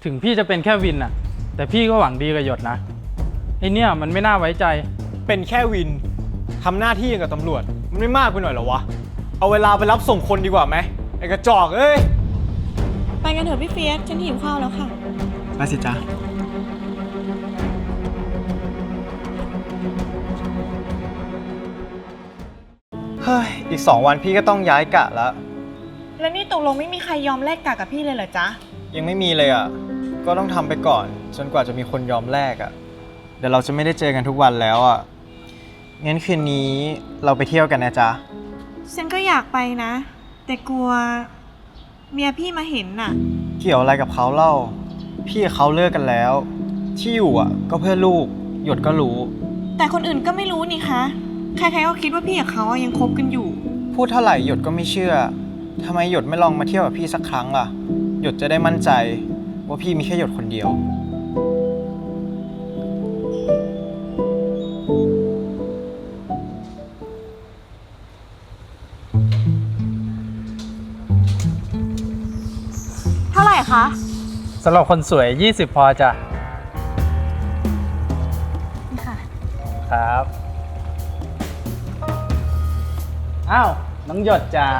ถึงพี่จะเป็นแค่วินน่ะแต่พี่ก็หวังดีกับหยดนะไอเนี่ยมันไม่น่าไว้ใจเป็นแค่วินทำหน้าที่อย่างกับตำรวจมันไม่มากไปหน่อยเหรอวะเอาเวลาไปรับส่งคนดีกว่าไหมไอ้กระจอกเอ้ยไปกันเถอะพี่เฟียสฉันหิวข้าวแล้วค่ะไปสิจ๊ะเฮ้ยอีก2 วันพี่ก็ต้องย้ายกะแล้วแล้วนี่ตกลงไม่มีใครยอมแลกกะกับพี่เลยเหรอจ๊ะยังไม่มีเลยอ่ะก็ต้องทำไปก่อนจนกว่าจะมีคนยอมแลกอ่ะเดี๋ยวเราจะไม่ได้เจอกันทุกวันแล้วอ่ะงั้นคืนนี้เราไปเที่ยวกันนะจ๊ะฉันก็อยากไปนะแต่กลัวเมียพี่มาเห็นน่ะเกี่ยวอะไรกับเขาเล่าพี่กับเขาเลิกกันแล้วที่อยู่อ่ะก็เพื่อลูกหยดก็รู้แต่คนอื่นก็ไม่รู้นี่คะใครๆก็คิดว่าพี่กับเขายังคบกันอยู่พูดเท่าไหร่หยดก็ไม่เชื่อทำไมหยดไม่ลองมาเที่ยวกับพี่สักครั้งล่ะหยดจะได้มั่นใจว่าพี่มีแค่หยดคนเดียวเท่าไหร่คะสำหรับคนสวย20พอจ้ะนี่ค่ะครับอ้าวน้องหยดจ๋า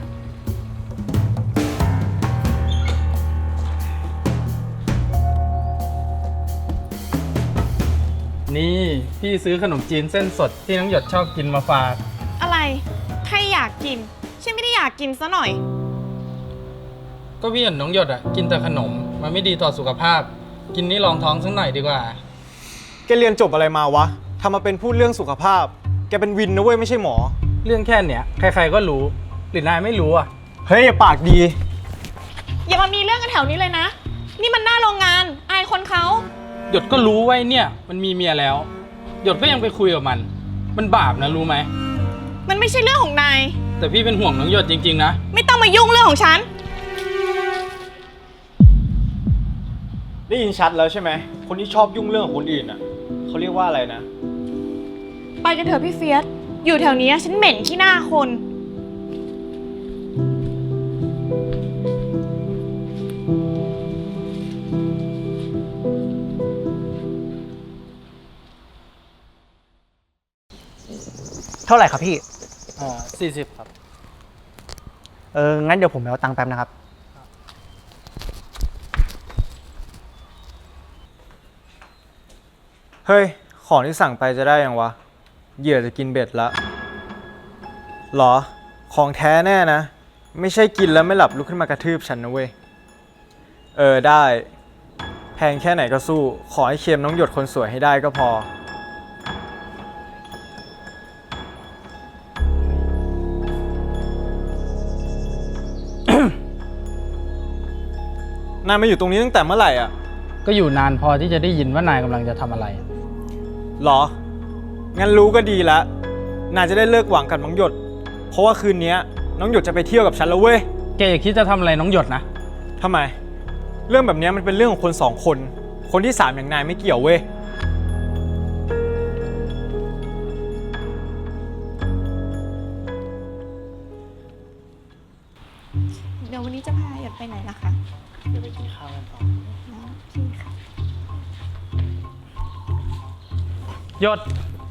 นี่พี่ซื้อขนมจีนเส้นสดที่น้องหยดชอบกินมาฝากอะไรใครอยากกินฉันไม่ได้อยากกินซะหน่อยก็พี่เห็นน้องหยดอ่ะกินแต่ขนมมันไม่ดีต่อสุขภาพกินนี่รองท้องสักหน่อยดีกว่าแกเรียนจบอะไรมาวะทำมาเป็นพูดเรื่องสุขภาพแกเป็นวินนะเว้ยไม่ใช่หมอเรื่องแค่เนี้ยใครๆก็รู้หรือนายไม่รู้อ่ะเฮ้ยอย่าปากดีอย่ามามีเรื่องกันแถวนี้เลยนะนี่มันหน้าโรงงานอายคนเขาหยดก็รู้ไว้เนี่ยมันมีเมียแล้วหยดก็ยังไปคุยกับมันบาปนะรู้ไหมมันไม่ใช่เรื่องของนายแต่พี่เป็นห่วงน้องหยดจริงๆนะไม่ต้องมายุ่งเรื่องของฉันได้ยินชัดแล้วใช่ไหมคนที่ชอบยุ่งเรื่องของคนอื่นอ่ะเขาเรียกว่าอะไรนะไปกันเถอะพี่เฟียสอยู่แถวนี้ฉันเหม็นขี้หน้าคนเท่าไหร่ครับพี่ 40ครับงั้นเดี๋ยวผมไปเอาตังค์แป๊บนะครับเฮ้ยของที่สั่งไปจะได้ยังวะเหยื่อจะกินเบ็ดละหรอของแท้แน่นะไม่ใช่กินแล้วไม่หลับลุกขึ้นมากระทืบฉันนะเว้ยได้แพงแค่ไหนก็สู้ขอให้เค็มน้องหยดคนสวยให้ได้ก็พอนายมาอยู่ตรงนี้ตั้งแต่เมื่อไหร่อ่ะก็อยู่นานพอที่จะได้ยินว่านายกำลังจะทำอะไรหรองั้นรู้ก็ดีแล้วนายจะได้เลิกหวังกับน้องหยดเพราะว่าคืนนี้น้องหยดจะไปเที่ยวกับฉันแล้วเว้ยแกอย่าคิดจะทำอะไรน้องหยดนะทำไมเรื่องแบบนี้มันเป็นเรื่องของคน2 คนคนที่3อย่างนายไม่เกี่ยวเว้ยเดี๋ยววันนี้จะพาหยดไปไหนล่ะคะเดี๋ยวไปกินข้าวกันต่อพี่ค่ะหยด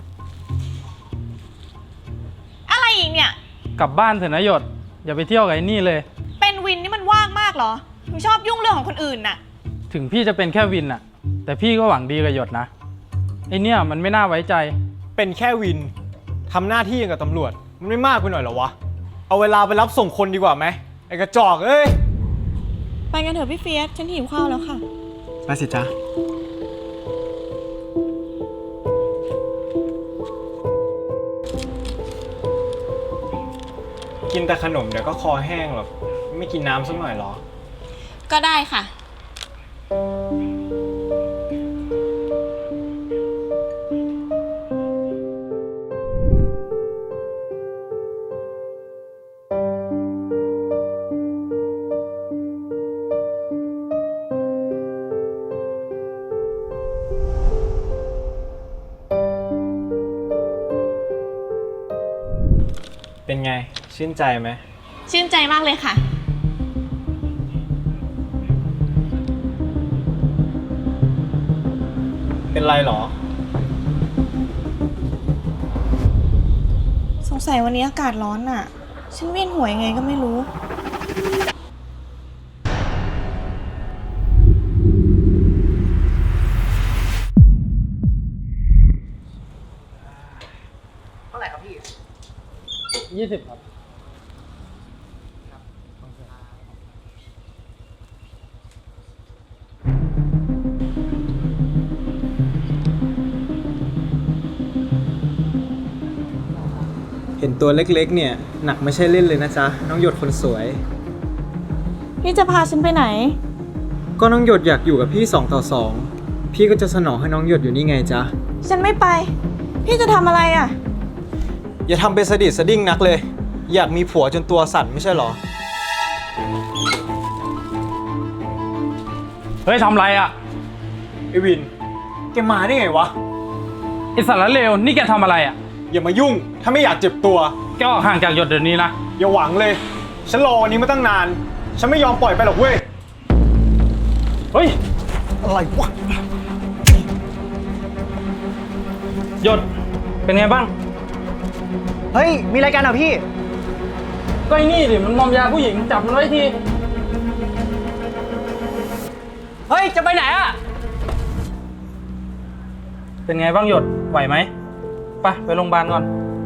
อะไรอีกเนี่ยกลับบ้านเถอะนะหยดอย่าไปเที่ยวกับไอ้นี่เลยเป็นวินนี่มันว่างมากเหรอถึงชอบยุ่งเรื่องของคนอื่นน่ะถึงพี่จะเป็นแค่วินน่ะแต่พี่ก็หวังดีกับหยดนะไอเนี่ยมันไม่น่าไว้ใจเป็นแค่วินทำหน้าที่อย่างกับตำรวจมันไม่มากไปหน่อยเหรอวะเอาเวลาไปรับส่งคนดีกว่าไหมไอ้กระจอกเอ้ยไปกันเถอะพี่เฟียสฉันหิวข้าวแล้วค่ะไปสิจ๊ะกินแต่ขนมเดี๋ยวก็คอแห้งหรอกไม่กินน้ำสักหน่อยหรอก็ได้ค่ะเป็นไงชื่นใจไหมชื่นใจมากเลยค่ะเป็นไรหรอสงสัยวันนี้อากาศร้อนอ่ะ ฉันเวียนหัวยังไงก็ไม่รู้เท่าไหร่ครับพี่ 20 ครับเห็นตัวเล็กๆ เนี่ย หนักไม่ใช่เล่นเลยนะจ๊ะ น้องหยดคนสวยพี่จะพาฉันไปไหนก็น้องหยดอยากอยู่กับพี่2 ต่อ 2 พี่ก็จะสนองให้น้องหยดอยู่นี่ไงจ๊ะฉันไม่ไป พี่จะทำอะไรอ่ะอย่าทำเป็นสะดิดสะดิ้งนักเลย อยากมีผัวจนตัวสั่นไม่ใช่หรอเฮ้ยทำไรอ่ะไอวิน แกมาได้ไงวะไอสารเลว นี่แกทำอะไรอ่ะอย่ามายุ่ง ถ้าไม่อยากเจ็บตัวแกออกห่างจากหยดเดี๋ยวนี้นะอย่าหวังเลย ฉันรอวันนี้มาตั้งนาน ฉันไม่ยอมปล่อยไปหรอกเว้ยเฮ้ยอะไรวะหยด เป็นไงบ้างเฮ้ย มีอะไรกันอ่ะพี่ก็ไอ้นี่ดิ มันมอมยาผู้หญิง จับมันไว้ทีเฮ้ย จะไปไหนอ่ะเป็นไงบ้างหยด ไหวไหม ไปโรงพยาบาลก่อน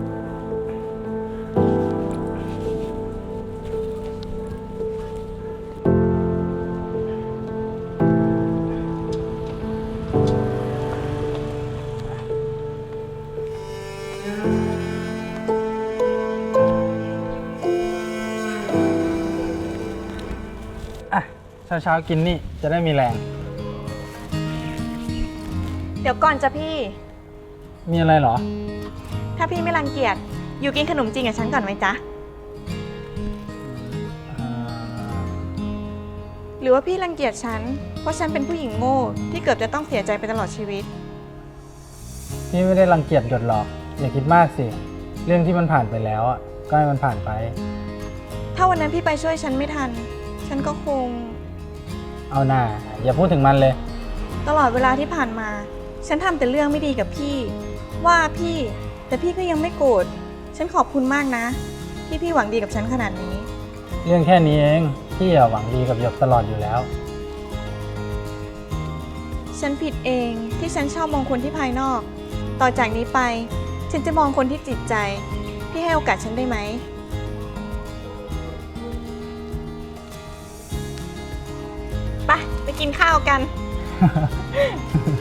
อ่ะ เช้าๆกินนี่จะได้มีแรงเดี๋ยวก่อนจ้ะพี่มีอะไรเหรอถ้าพี่ไม่รังเกียจ อยู่กินขนมจีนกับฉันก่อนไหมจ๊ะ หรือว่าพี่รังเกียจฉัน เพราะฉันเป็นผู้หญิงโง่ที่เกือบจะต้องเสียใจไปตลอดชีวิตพี่ไม่ได้รังเกียจหยดหรอก อย่าคิดมากสิ เรื่องที่มันผ่านไปแล้วอ่ะ ก็ให้มันผ่านไปถ้าวันนั้นพี่ไปช่วยฉันไม่ทัน ฉันก็คงเอาหน่าอย่าพูดถึงมันเลยตลอดเวลาที่ผ่านมา ฉันทำแต่เรื่องไม่ดีกับพี่ ว่าพี่ แต่พี่ก็ยังไม่โกรธ ฉันขอบคุณมากนะ ที่พี่หวังดีกับฉันขนาดนี้เรื่องแค่นี้เอง พี่หวังดีกับหยกตลอดอยู่แล้วฉันผิดเองที่ฉันชอบมองคนที่ภายนอก ต่อจากนี้ไป ฉันจะมองคนที่จิตใจ พี่ให้โอกาสฉันได้ไหม ไปกินข้าวกัน